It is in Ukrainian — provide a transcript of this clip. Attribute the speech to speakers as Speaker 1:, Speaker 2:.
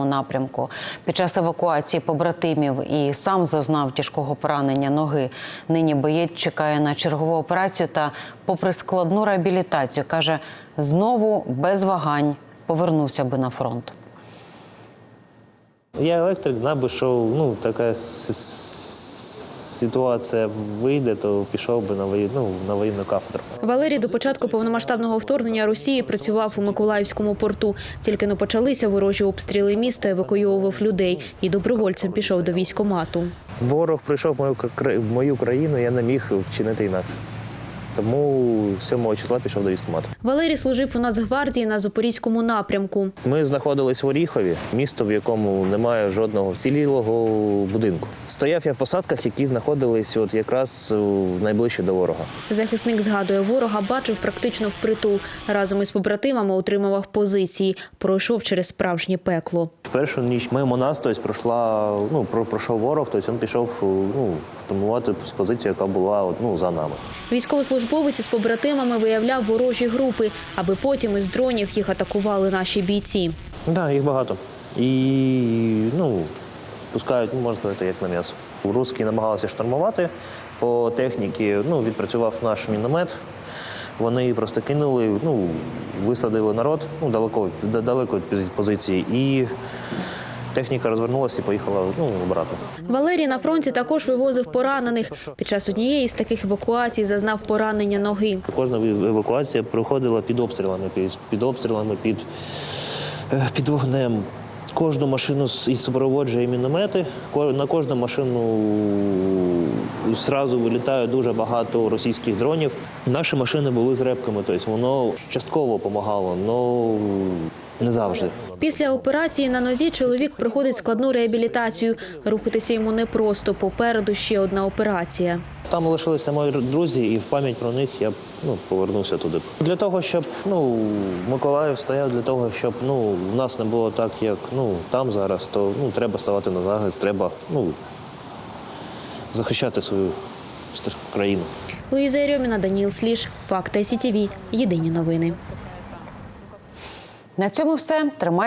Speaker 1: напрямку. Під час евакуації побратимів і сам зазнав тяжкого поранення ноги. Нині боєць чекає на чергову операцію та, попри складну реабілітацію, каже, знову без вагань повернувся би на фронт.
Speaker 2: Я електрик, знав би, що така ситуація вийде, то пішов би на воєнну кафедру.
Speaker 3: Валерій до початку повномасштабного вторгнення Росії працював у Миколаївському порту. Тільки не почалися ворожі обстріли міста, евакуйовував людей і добровольцем пішов до військкомату.
Speaker 2: Ворог прийшов в мою країну, я не міг вчинити інакше. Тому 7 числа пішов до військкомату.
Speaker 3: Валерій служив у Нацгвардії на Запорізькому напрямку.
Speaker 2: Ми знаходились в Оріхові, місто, в якому немає жодного вцілілого будинку. Стояв я в посадках, які знаходились якраз найближче до ворога.
Speaker 3: Захисник згадує, ворога бачив практично впритул. Разом із побратимами утримував позиції. Пройшов через справжнє пекло.
Speaker 2: В першу ніч мимо нас пройшов ворог, він пішов штурмувати з позиції, яка була за нами.
Speaker 3: Військовослужбовець із побратимами виявляв ворожі групи, аби потім із дронів їх атакували наші бійці.
Speaker 2: Так, їх багато. І пускають, можна сказати, як на м'ясо. Русські намагалися штурмувати. По техніці відпрацював наш міномет. Вони просто кинули, висадили народ далеко від позиції. І техніка розвернулася і поїхала обратно.
Speaker 3: Валерій на фронті також вивозив поранених. Під час однієї з таких евакуацій зазнав поранення ноги.
Speaker 2: Кожна евакуація проходила під обстрілами, під вогнем. Кожну машину супроводжує міномети. На кожну машину одразу вилітає дуже багато російських дронів. Наші машини були з репками, тобто воно частково допомагало, але не завжди.
Speaker 3: Після операції на нозі чоловік проходить складну реабілітацію. Рухатися йому непросто, попереду ще одна операція.
Speaker 2: Там лишилися мої друзі, і в пам'ять про них я повернувся туди. Для того, щоб Миколаїв стояв, для того, щоб у нас не було так, як там зараз, то треба ставати на захист, треба захищати свою країну.
Speaker 3: Луїза Єрьоміна, Даніл Сліж, Факти СІТВ. Єдині новини.
Speaker 1: На цьому все. Тримайте.